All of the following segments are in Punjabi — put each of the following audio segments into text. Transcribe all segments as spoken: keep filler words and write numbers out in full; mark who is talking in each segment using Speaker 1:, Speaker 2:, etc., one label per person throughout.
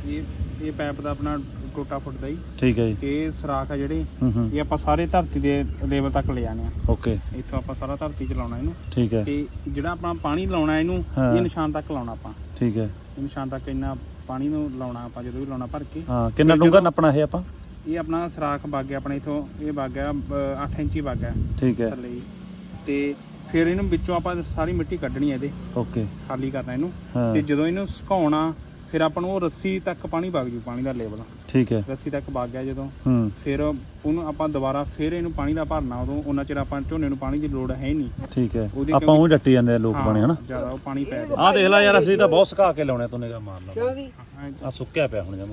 Speaker 1: ਇਹ ਇਹ ਪੈਪ ਦਾ ਆਪਣਾ ਟੋਟਾ ਫੁੱਟ ਦਾ ਜੀ।
Speaker 2: ਠੀਕ ਹੈ ਜੀ।
Speaker 1: ਇਹ ਸਰਾਖ ਆ ਜਿਹੜੇ
Speaker 2: ਹੂੰ ਹੂੰ
Speaker 1: ਇਹ ਆਪਾਂ ਸਾਰੇ ਧਰਤੀ ਦੇ ਲੈਵਲ ਤੱਕ ਲੈ ਜਾਣੇ ਆ।
Speaker 2: ਓਕੇ।
Speaker 1: ਇੱਥੋਂ ਆਪਾਂ ਸਾਰਾ ਧਰਤੀ 'ਚ ਲਾਉਣਾ ਇਹਨੂੰ।
Speaker 2: ਠੀਕ ਹੈ।
Speaker 1: ਤੇ ਜਿਹੜਾ ਆਪਣਾ ਪਾਣੀ ਲਾਉਣਾ ਇਹਨੂੰ ਇਹ ਨਿਸ਼ਾਨ ਤੱਕ ਲਾਉਣਾ ਆਪਾਂ।
Speaker 2: ਠੀਕ ਹੈ।
Speaker 1: ਇਹ ਨਿਸ਼ਾਨ ਤੱਕ ਇੰਨਾ ਪਾਣੀ ਨੂੰ ਲਾਉਣਾ ਆਪਾਂ ਜਦੋਂ ਵੀ ਲਾਉਣਾ ਭਰ ਕੇ।
Speaker 2: ਹਾਂ ਕਿੰਨਾ ਡੂੰਘਾ ਨੱਪਣਾ ਇਹ ਆਪਾਂ?
Speaker 1: ਇਹ ਆਪਣਾ ਸਰਾਖ ਵਗ ਗਿਆ ਆਪਣੇ ਇਥੋਂ, ਇਹ ਵਗ ਗਿਆ ਅੱਠ ਇੰਚੀ ਵਗ ਗਿਆ।
Speaker 2: ਠੀਕ ਹੈ।
Speaker 1: ਥੱਲੇ ਤੇ ਫਿਰ ਇਹਨੂੰ ਵਿੱਚੋਂ ਆਪਾਂ ਸਾਰੀ ਮਿੱਟੀ ਕੱਢਣੀ ਹੈ ਇਹਦੇ।
Speaker 2: ਓਕੇ।
Speaker 1: ਖਾਲੀ ਕਰਨਾ ਇਹਨੂੰ ਤੇ ਜਦੋਂ ਇਹਨੂੰ ਸੁਕਾਉਣਾ ਫਿਰ ਆਪਾਂ ਨੂੰ ਉਹ ਰੱਸੀ ਤੱਕ ਪਾਣੀ ਵਗ ਜੂ, ਪਾਣੀ ਦਾ ਲੈਵਲ।
Speaker 2: ਠੀਕ ਹੈ।
Speaker 1: ਰੱਸੀ ਤੱਕ ਵਗ ਗਿਆ ਜਦੋਂ
Speaker 2: ਹੂੰ
Speaker 1: ਫਿਰ ਉਹਨੂੰ ਆਪਾਂ ਦੁਬਾਰਾ ਫਿਰ ਇਹਨੂੰ ਪਾਣੀ ਦਾ ਭਰਨਾ। ਉਦੋਂ ਉਹਨਾਂ ਚਿਰ ਆਪਾਂ ਝੋਨੇ ਨੂੰ ਪਾਣੀ ਦੀ ਲੋੜ ਹੈ ਨਹੀਂ।
Speaker 2: ਠੀਕ ਹੈ। ਆਪਾਂ ਉਹ ਡੱਟੀ ਜਾਂਦੇ ਆ ਲੋਕ ਪਾਣੀ ਹਨਾ
Speaker 1: ਜ਼ਿਆਦਾ ਉਹ ਪਾਣੀ ਪੈ
Speaker 2: ਆਹ ਦੇਖ ਲੈ ਯਾਰ, ਅਸੀਂ ਤਾਂ ਬਹੁਤ ਸੁਕਾ ਕੇ ਲਾਉਣੇ, ਤੂੰ ਨਿਗਾਹ ਮਾਰ ਲਾ
Speaker 1: ਆ।
Speaker 2: ਆ ਸੁੱਕਿਆ ਪਿਆ ਹੁਣ ਜਮਾ।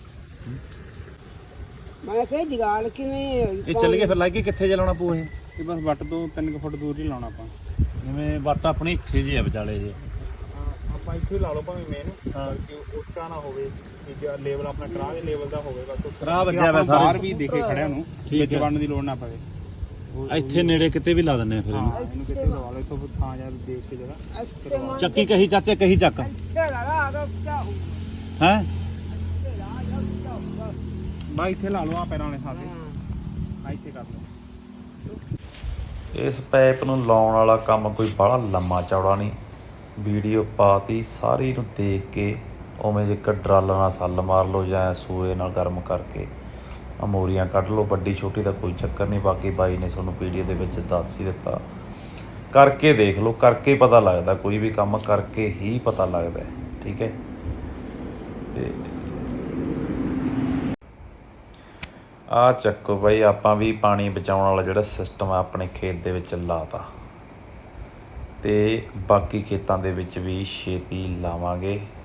Speaker 3: ਮੈਂ ਕਿਹਾ ਜਗਾਲ ਕਿਵੇਂ
Speaker 2: ਇਹ ਚੱਲ ਗਏ ਫਿਰ ਲੱਗ ਗਏ ਕਿੱਥੇ ਜਲਾਉਣਾ ਪੂ ਇਹ?
Speaker 1: ਇਹ ਬਸ ਵੱਟ ਤੋਂ ਤਿੰਨ ਕੁ ਫੁੱਟ ਦੂਰ ਹੀ ਲਾਉਣਾ ਆਪਾਂ।
Speaker 2: ਜਿਵੇਂ ਵੱਟ ਆਪਣੀ ਇੱਥੇ ਜੀ ਆ ਵਿਚਾਲੇ ਜੇ
Speaker 1: ਆਪਾਂ ਇੱਥੇ ਲਾ ਲਓ ਭਾਵੇਂ ਮੇਨ, ਕਿ ਉੱਚਾ ਨਾ ਹੋਵੇ ਕਿ ਲੈਵਲ ਆਪਣਾ ਕਰਾਹ ਦੇ ਲੈਵਲ ਦਾ ਹੋਵੇ। ਬਸ
Speaker 2: ਕਰਾਹ ਵੱਜਿਆ ਵਾ ਸਾਰੇ
Speaker 1: ਬਾਹਰ ਵੀ ਦੇਖੇ ਖੜਿਆ ਨੂੰ ਵਿੱਚ ਵੜਨ ਦੀ ਲੋੜ ਨਾ ਪਵੇ।
Speaker 2: ਇੱਥੇ ਨੇੜੇ ਕਿਤੇ ਵੀ ਲਾ ਦਿੰਨੇ ਆ ਫਿਰ ਇਹਨੂੰ।
Speaker 1: ਇਹਨੂੰ ਕਿਤੇ ਲਵਾ ਲਓ ਇੱਥੋਂ ਥਾਂ ਜਾਂ ਦੇਖ ਕੇ ਜਗ੍ਹਾ।
Speaker 2: ਚੱਕੀ ਕਹੀ ਚਾਚੇ ਕਹੀ ਚੱਕ ਹੈ
Speaker 1: ਬਾਈ ਇੱਥੇ ਲਾ ਲਓ ਆ ਪੈਰਾਂ ਵਾਲੇ ਥਾਂ ਤੇ। ਆ ਇੱਥੇ ਕਰ ਲਓ।
Speaker 2: ਇਸ ਪਾਈਪ ਨੂੰ ਲਾਉਣ ਵਾਲਾ ਕੰਮ ਕੋਈ ਬੜਾ ਲੰਮਾ ਚੌੜਾ ਨਹੀਂ। ਵੀਡੀਓ ਪਾਤੀ ਸਾਰੀ ਨੂੰ ਦੇਖ ਕੇ ਉਵੇਂ ਜੇ ਇੱਕ ਡਰਲ ਨਾਲ ਸੱਲ ਮਾਰ ਲਓ ਜਾਂ ਸੂਏ ਨਾਲ ਗਰਮ ਕਰਕੇ ਅਮੋਰੀਆਂ ਕੱਢ ਲਓ। ਵੱਡੀ ਛੋਟੀ ਦਾ ਕੋਈ ਚੱਕਰ ਨਹੀਂ। ਬਾਕੀ ਬਾਈ ਨੇ ਤੁਹਾਨੂੰ ਵੀਡੀਓ ਦੇ ਵਿੱਚ ਦੱਸ ਹੀ ਦਿੱਤਾ, ਕਰਕੇ ਦੇਖ ਲਓ। ਕਰਕੇ ਪਤਾ ਲੱਗਦਾ, ਕੋਈ ਵੀ ਕੰਮ ਕਰਕੇ ਹੀ ਪਤਾ ਲੱਗਦਾ। ਠੀਕ ਹੈ। ਤੇ ਆ ਚੱਕੋ ਬਾਈ, ਆਪਾਂ ਵੀ ਪਾਣੀ ਬਚਾਉਣ ਵਾਲਾ ਜਿਹੜਾ ਸਿਸਟਮ ਆ ਆਪਣੇ ਖੇਤ ਦੇ ਵਿੱਚ ਲਾਤਾ ਤੇ ਬਾਕੀ ਖੇਤਾਂ ਦੇ ਵਿੱਚ ਵੀ ਛੇਤੀ ਲਾਵਾਂਗੇ।